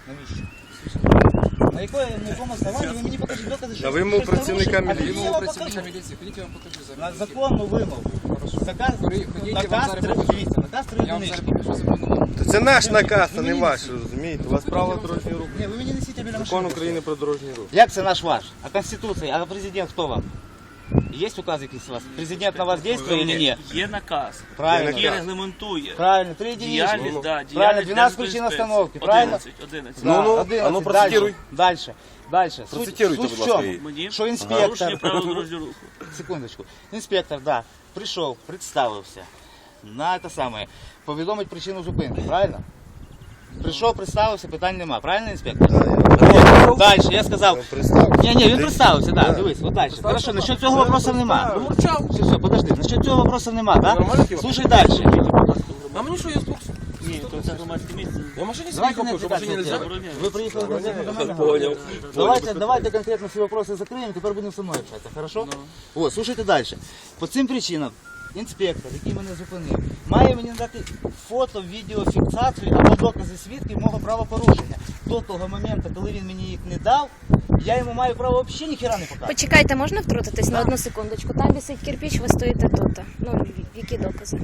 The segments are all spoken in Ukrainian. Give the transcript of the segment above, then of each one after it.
Навіщо? На якому основанні ви мені покажіть докази, що... На вимогу працівника міліції. Ходіть, я вам покажу на законну вимогу. Наказ 3 одинички. Це наш наказ, а не ваш, розумієте? У вас право дорожнього руху. Ні, ви мені несіть біля машини. Закон України про дорожній рух. Як це наш ваш? А Конституція? А президент хто вам? Є указ якийсь у вас? Президент на вас діє чи ні? Є наказ, Правильно. який регламентує Правильно, 3 діяльність, единички. да, Правильно, діяльність 12 причин остановки, правильно? 11. Ну, процитируй. Дальше. Процитируйте, Суть будь в ласка, чому? її. Мені Що порушення інспектор, правил дорожнього руху. секундочку, інспектор, да, прийшов, представився, на те саме, повідомить причину зупинки, правильно? Прийшов, представився, питань нема, правильно, інспектор? Далі, я сказав, ні, він представився, да, дивись, от далі. Хорошо, насчет цього вопросів нема. Все, подожди, насчет цього вопросів нема, да? Слушай далі. А мені що, я спокійно? Ні, то це громадське місце. Я в машині Давайте собі не купив, що в машині отвлекаться. нельзя. Ви приїхали конкретно до мене? Понял. Давайте конкретно всі вопроси закриємо, тепер будемо со мною общатися, хорошо? О, слушайте далі. По цим причинам інспектор, який мене зупинив, має мені дати фото, відеофіксацію або докази свідків мого правопорушення. До того моменту, коли він мені їх не дав, я йому маю право взагалі ніхіра не показати. Почекайте, можна втрутитись на одну секундочку? Там висить кирпич, ви стоїте тут. Ну, які докази?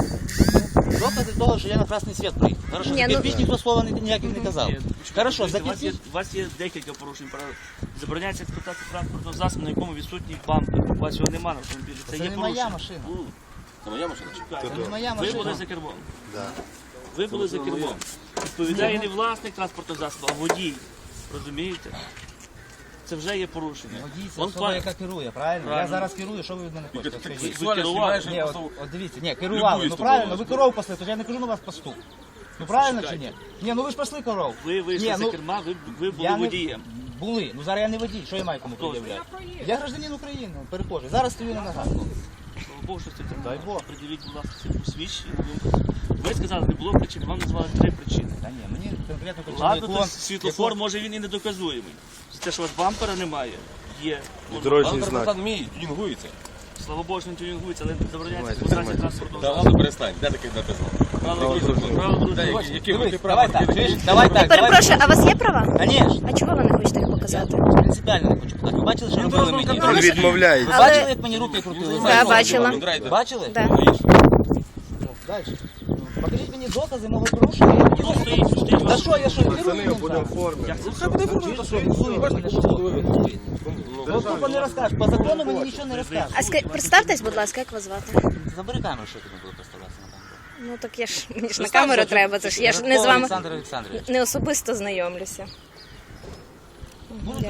Докази того, що я на красний світ приїхав. Хорошо, Ні, ну- кирпич ніхто слова ніяких не казав. Ні, Хорошо, у вас є, закінчіть. у вас є декілька порушень правил. Забороняється експлуатація транспортного засобу, на якому відсутній бампер. У вас його немає на автомобілі. Це Це є не порушення. моя машина. Це моя машина? Це не моя Ви були машина. за кермом. Ви були за кермом. Відповідає не власник транспортного засобу, а водій. Розумієте? Це вже є порушення. Водій це Он особа, пан- яка керує, правильно? Я Правильно. зараз керую, що ви від мене хочете? Скажіть. Сексуально керували? знімаєш, Ні, я от, просто... от дивіться, ні, керували, Любую ну з правильно, тобою ви коров пасли, то ж я не кажу на вас пастух. Ну правильно чи ні? Ні, ну ви ж пасли коров. Ви вийшли Ні, за ну, керма, ви були я не- водієм. Були, ну зараз я не водій, що я маю кому Хто ж? пред'являти? Я гражданин України, перехожий, зараз стою на ногах. Слава Богу, що це так. Дай Бог. Приділіть, будь ласка, це посвідчення. Ви сказали, не було причин, вам назвали 3 причини. Та ні, мені конкретно Ладно, причина то світлофор, може він і не доказуємий. Те, що у вас бампера немає, є. Дорожній Бампер знак. назад мій, тюнінгується. Слава Богу, що він тюнінгується, але забороняється Давайте, експлуатація тримайте. транспортного Та засобу. ладно, перестань. Де таке написано? Правила дорожнього руху. Які ви Дивись, права? давай так, чуєш? Давай так, Перепрошую, а у вас є права? Конечно. А чого ви не хочете їх показати? Принципіально не хочу показати. Ви бачили, що робили мені? Він відмовляється. Ви Але- бачили, як мені руки крутили? Да, бачила. Бачили? Да. Далі. Покажіть мені докази мого порушення. Я тоді Ну, можу- стоїть, Та що, я що, Пацани, керую? будемо в формі. Ну, тупо не розкажеш. По закону мені нічого не розкажеш. А представтесь, будь ласка, як вас звати? Забери камеру, що ти не було представлятися на камеру. Ну так я ж мені ж на камеру треба, це ж я ж не з вами Олександр Олександрович. не особисто знайомлюся.